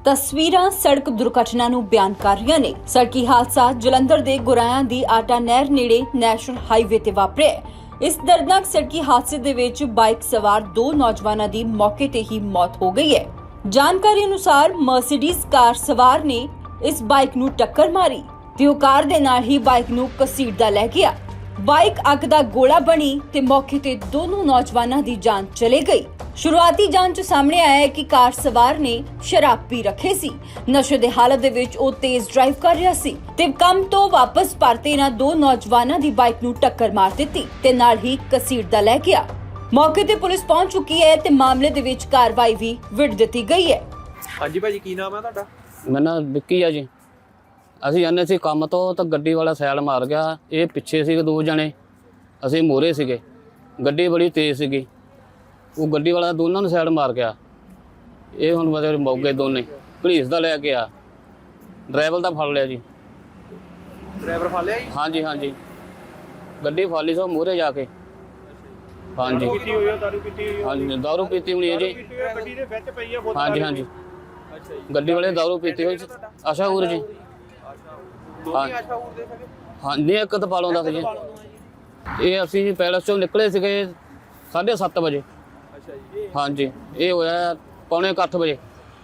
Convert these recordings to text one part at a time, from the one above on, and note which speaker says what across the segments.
Speaker 1: ਤਸਵੀਰਾਂ ਸੜਕ ਦੁਰਘਟਨਾ ਨੂੰ ਬਿਆਨ ਕਰ ਰਹੀਆਂ ਨੇ। ਸੜਕੀ ਹਾਦਸਾ ਜਲੰਧਰ ਦੇ ਗੁਰਾਇਆਂ ਦੀ ਆਟਾ ਨਹਿਰ ਨੇੜੇ ਨੈਸ਼ਨਲ ਹਾਈਵੇ ਤੇ ਵਾਪਰਿਆ। ਇਸ ਦਰਦਨਾਕ ਸੜਕੀ ਹਾਦਸੇ ਦੇ ਵਿੱਚ ਬਾਈਕ ਸਵਾਰ ਦੋ ਨੌਜਵਾਨਾਂ ਦੀ ਮੌਕੇ ਤੇ ਹੀ ਮੌਤ ਹੋ ਗਈ ਹੈ। ਜਾਣਕਾਰੀ ਅਨੁਸਾਰ ਮਰਸੀਡੀਜ਼ ਕਾਰ ਸਵਾਰ ਨੇ ਇਸ ਬਾਈਕ ਨੂੰ ਟੱਕਰ ਮਾਰੀ ਤੇ ਉਹ ਕਾਰ ਦੇ ਨਾਲ ਹੀ ਬਾਈਕ ਨੂੰ ਘਸੀਟਦਾ ਲੈ ਗਿਆ। ਬਾਈਕ ਅੱਗ ਦਾ ਗੋਲਾ ਬਣੀ ਤੇ ਮੌਕੇ ਤੇ ਦੋਨੋਂ ਨੌਜਵਾਨਾਂ ਦੀ ਜਾਨ ਚਲੀ ਗਈ। शुरुआती जांच सामने आया है कि कार सवार ने शराब पी रखे सी। नशे दे हालत दे विच ओ तेज ड्राइव कर रहा सी ते काम तो वापस परते इन्हां दो नौजवानां दी बाइक नूं टक्कर मार दित्ती ते नाल ही घसीटदा लै गया। मौके ते पुलिस पहुंच चुकी है ते मामले दे विच कार्रवाई भी विड़ दित्ती गई है।
Speaker 2: हाँ जी भाजी की नाम है तुहाडा?
Speaker 3: मेरा नाम विक्की है जी। ਅਸੀਂ ਜਾਂਦੇ ਸੀ ਕੰਮ ਤੋਂ ਤਾਂ ਗੱਡੀ ਵਾਲਾ ਸਾਈਡ ਮਾਰ ਗਿਆ। ਇਹ ਪਿੱਛੇ ਸੀਗੇ ਦੋ ਜਣੇ, ਅਸੀਂ ਮੋਰੇ ਸੀਗੇ। ਗੱਡੀ ਬੜੀ ਤੇਜ਼ ਸੀਗੀ, ਉਹ ਗੱਡੀ ਵਾਲਾ ਦੋਨਾਂ ਨੂੰ ਸਾਈਡ ਮਾਰ ਗਿਆ। ਇਹ ਹੁਣ ਮਤਲਬ ਮੌਕੇ ਦੋਨੇ ਪੁਲਿਸ ਦਾ ਲੈ ਕੇ ਆ, ਡਰਾਈਵਰ ਦਾ ਫੜ ਲਿਆ ਜੀ।
Speaker 2: ਡਰਾਈਵਰ ਫੜ ਲਿਆ ਜੀ?
Speaker 3: ਹਾਂਜੀ ਹਾਂਜੀ, ਗੱਡੀ ਫਾਲੀ ਸੋ ਮੋਰੇ ਜਾ ਕੇ। ਹਾਂਜੀ
Speaker 2: ਪੀਤੀ ਹੋਈ ਹੈ, ਦਾਰੂ ਪੀਤੀ ਹੋਈ ਹੈ?
Speaker 3: ਹਾਂਜੀ ਦਾਰੂ ਪੀਤੀ ਹੋਣੀ ਹੈ ਜੀ।
Speaker 2: ਗੱਡੀ ਦੇ ਵਿੱਚ ਪਈ ਹੈ ਬੋਤਲ?
Speaker 3: ਹਾਂਜੀ ਹਾਂਜੀ,
Speaker 2: ਅੱਛਾ ਜੀ।
Speaker 3: ਗੱਡੀ ਵਾਲੇ ਦਾਰੂ ਪੀਤੀ ਹੋਈ। ਆਸ਼ਾ ਹੋਰ ਜੀ।
Speaker 2: ਦੋਨੇ ਆਸ਼ਾ ਹੋਰ ਦੇ ਸਕੇ?
Speaker 3: ਹਾਂਜੀ, ਇੱਕ ਤਾਂ ਪਾਲੋਂ ਦਾ ਸੀ ਜੀ। ਇਹ ਅਸੀਂ ਪੈਲਸ ਚੋਂ ਨਿਕਲੇ ਸੀਗੇ 7:30 ਵਜੇ।
Speaker 2: ਅੱਛਾ ਜੀ।
Speaker 3: ਹਾਂਜੀ, ਇਹ ਹੋਇਆ 7:45 ਵਜੇ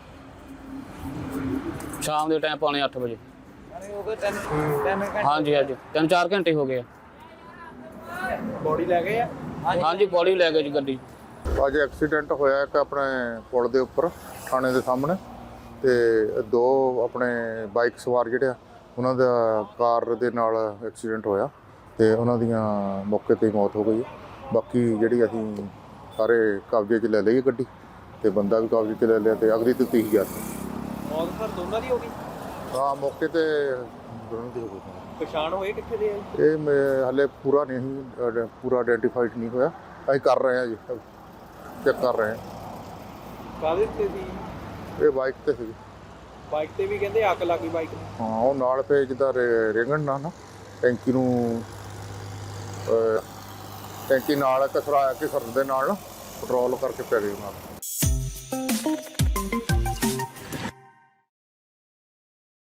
Speaker 3: ਸ਼ਾਮ ਦੇ ਟਾਈਮ, 7:45 ਵਜੇ।
Speaker 2: ਹੋ ਗਏ 3 ਘੰਟੇ?
Speaker 3: ਹਾਂਜੀ ਹਾਂਜੀ, 3-4 ਘੰਟੇ ਹੋ ਗਏ ਆ।
Speaker 2: ਬੋਡੀ ਲੈ ਗਏ ਆ?
Speaker 3: ਹਾਂਜੀ, ਬੋਡੀ ਲੈ ਗਏ ਜੀ ਗੱਡੀ।
Speaker 4: ਅੱਜ ਐਕਸੀਡੈਂਟ ਹੋਇਆ ਇੱਕ ਆਪਣੇ ਪੁਲ ਦੇ ਉੱਪਰ ਥਾਣੇ ਦੇ ਸਾਹਮਣੇ, ਤੇ ਦੋ ਆਪਣੇ ਬਾਈਕ ਸਵਾਰ ਜਿਹੜੇ ਆ ਉਹਨਾਂ ਦਾ ਕਾਰ ਦੇ ਨਾਲ ਐਕਸੀਡੈਂਟ ਹੋਇਆ ਤੇ ਉਹਨਾਂ ਦੀਆਂ ਮੌਕੇ ਤੇ ਹੀ ਮੌਤ ਹੋ ਗਈ। ਬਾਕੀ ਜਿਹੜੀ ਅਸੀਂ ਸਾਰੇ ਕਬਜ਼ੇ 'ਚ ਲੈ ਲਈ ਗੱਡੀ ਤੇ ਬੰਦਾ ਵੀ ਕਬਜ਼ੇ 'ਚ ਲੈ ਲਿਆ ਤੇ ਅਗਲੀ 30,000।
Speaker 2: ਮੌਤ ਸਰ ਦੋਨਾਂ ਦੀ ਹੋ ਗਈ?
Speaker 4: ਹਾਂ, ਮੌਕੇ ਤੇ ਦੋਨੋਂ ਦੀ ਹੋ ਗਈ।
Speaker 2: ਪਛਾਣ ਹੋਏ ਕਿੱਥੇ ਦੇ ਆ?
Speaker 4: ਇਹ ਹਾਲੇ ਪੂਰਾ ਨਹੀਂ, ਪੂਰਾ ਆਇਡੈਂਟੀਫਾਈਡ ਨਹੀਂ ਹੋਇਆ। ਅਸੀਂ ਕਰ ਰਹੇ ਹਾਂ ਜੀ, ਚੈੱਕ ਕਰ ਰਹੇ ਹਾਂ।
Speaker 2: ਕਾਹਦੇ ਤੇ ਸੀ?
Speaker 4: ਇਹ ਬਾਈਕ ਤੇ ਸੀ।
Speaker 2: ਬਾਈਕ ਤੇ ਵੀ ਕਹਿੰਦੇ ਅੱਗ ਲੱਗੀ ਬਾਈਕ ਨੂੰ? ਹਾਂ,
Speaker 4: ਉਹ ਨਾਲ ਤੇ ਜਿੱਦਾਂ ਰੇਂਗਣ ਨਾਲ ਨਾ ਟੈਂਕੀ ਨੂੰ, ਟੈਂਕੀ ਨਾਲ ਘਸਰਾਇਆ ਕਿ ਸਰ ਦੇ ਨਾਲ ਪੈਟਰੋਲ ਕਰਕੇ ਪੈ ਗਈ ਨਾਲ।